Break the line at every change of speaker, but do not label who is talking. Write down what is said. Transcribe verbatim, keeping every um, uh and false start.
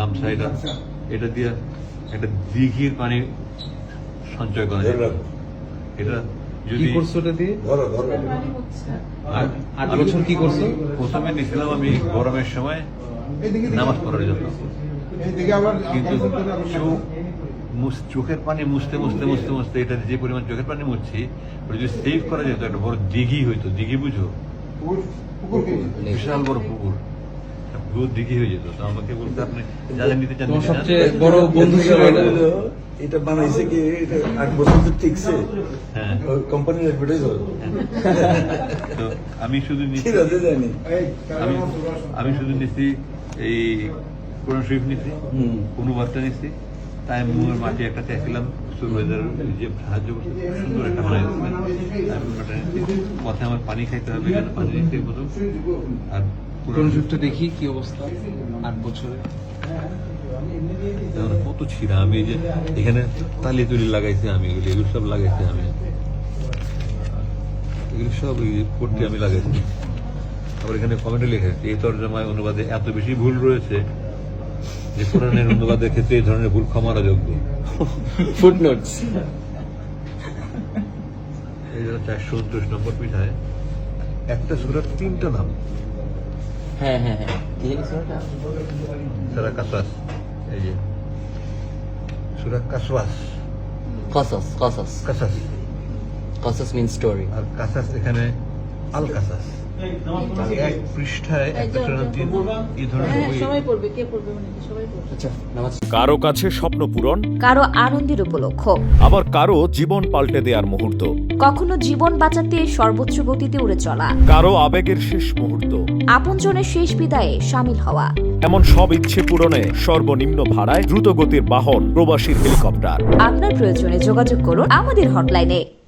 গামছা এটা এটা দিয়ে একটা দিঘির পানি সঞ্চয় করা যায়। এটা
কি
যদি
করছো এটা দিয়ে?
আর
আট বছর কি করছো?
প্রথমে নিয়েছিলাম আমি গরমের সময় নামাজ পড়ার জন্য, কিন্তু চোখ মুছ- চোখের পানি মুছতে মুছতে মুছতে মুছতে এটা যে পরিমাণ চোখের পানি মুছছি ওটা যদি সেভ করা যেত একটা বড় দিঘি হইতো। দিঘি বুঝো? বিশাল বড় পুকুর, একটা পুরো দিঘি হয়ে যেত। তো আমাকে বলতে আপনি যাদের নিতে চান
তোমার
নিতে চান।
সবচেয়ে বড় বন্ধু ছিল এটা?
এটা বানাইছে কি এটা আট বছর তো টিকছে
হ্যাঁ,
কোম্পানির অ্যাডভার্টাইজ
তো আমি শুধু নিচ্ছি
ঠিক জানি
আমি আমি শুধু নিচ্ছি এই কোরআন শরীফ নিচ্ছি,
হুম।
অনুবাদটা নিচ্ছি, তাই মুয়ের মাটি একটা চাইছিলাম সুপারভাইজার যে সাহায্য করছে সুন্দর একটা বানাই পথে আমার পানি খাইতে হবে, এখানে পানি নিতে মতো। আর
কোন যুগটা দেখি কি অবস্থা আট বছরে।
আমার কত ছিঁড়া, আমি এই যে এখানে তালি তুলি লাগাইছি আমি, এগুলি এগুলো সব লাগাইছি আমি, এগুলি সব এই পড়তে আমি লাগাইছি। আবার এখানে কমেন্টে লেখা আছে এই তর্জমায় অনুবাদে এত বেশি ভুল রয়েছে যে কোরআনের অনুবাদের ক্ষেত্রে এই ধরনের ভুল ক্ষমার যোগ্য।
ফুটনোটস।
এই জন্য চারশো উনত্রিশ নম্বর পৃষ্ঠায় একটা সূরার তিনটা নাম,
হ্যাঁ হ্যাঁ হ্যাঁ কি জানি শোনাটা?
সূরা কাসাস, এই যে সূরা কাসওয়াস,
কসস কসস
কাসাস,
কসস মিন স্টোরি।
আর কাসাস এখানে আল কাসাস। আর এক পৃষ্ঠায় একটা সূরার তিন এই ধরনের বই।
সবাই পড়বে, কে পড়বে মানে কি সবাই পড়বে।
আচ্ছা নামাজ।
কারো কাছে স্বপ্ন পূরণ,
কারো আনন্দের উপলক্ষ,
আবার কারো জীবন পাল্টে দেওয়ার মুহূর্ত,
কখনো জীবন বাঁচাতে সর্বোচ্চ গতিতে উড়ে চলা,
কারো আবেগের শেষ মুহূর্ত,
আপনজনের শেষ বিদায়ে সামিল হওয়া।
এমন সব ইচ্ছে পূরণে সর্বনিম্ন ভাড়ায় দ্রুত গতির বাহন প্রবাসীর হেলিকপ্টার।
আপনার প্রয়োজনে যোগাযোগ করুন আমাদের হটলাইনে।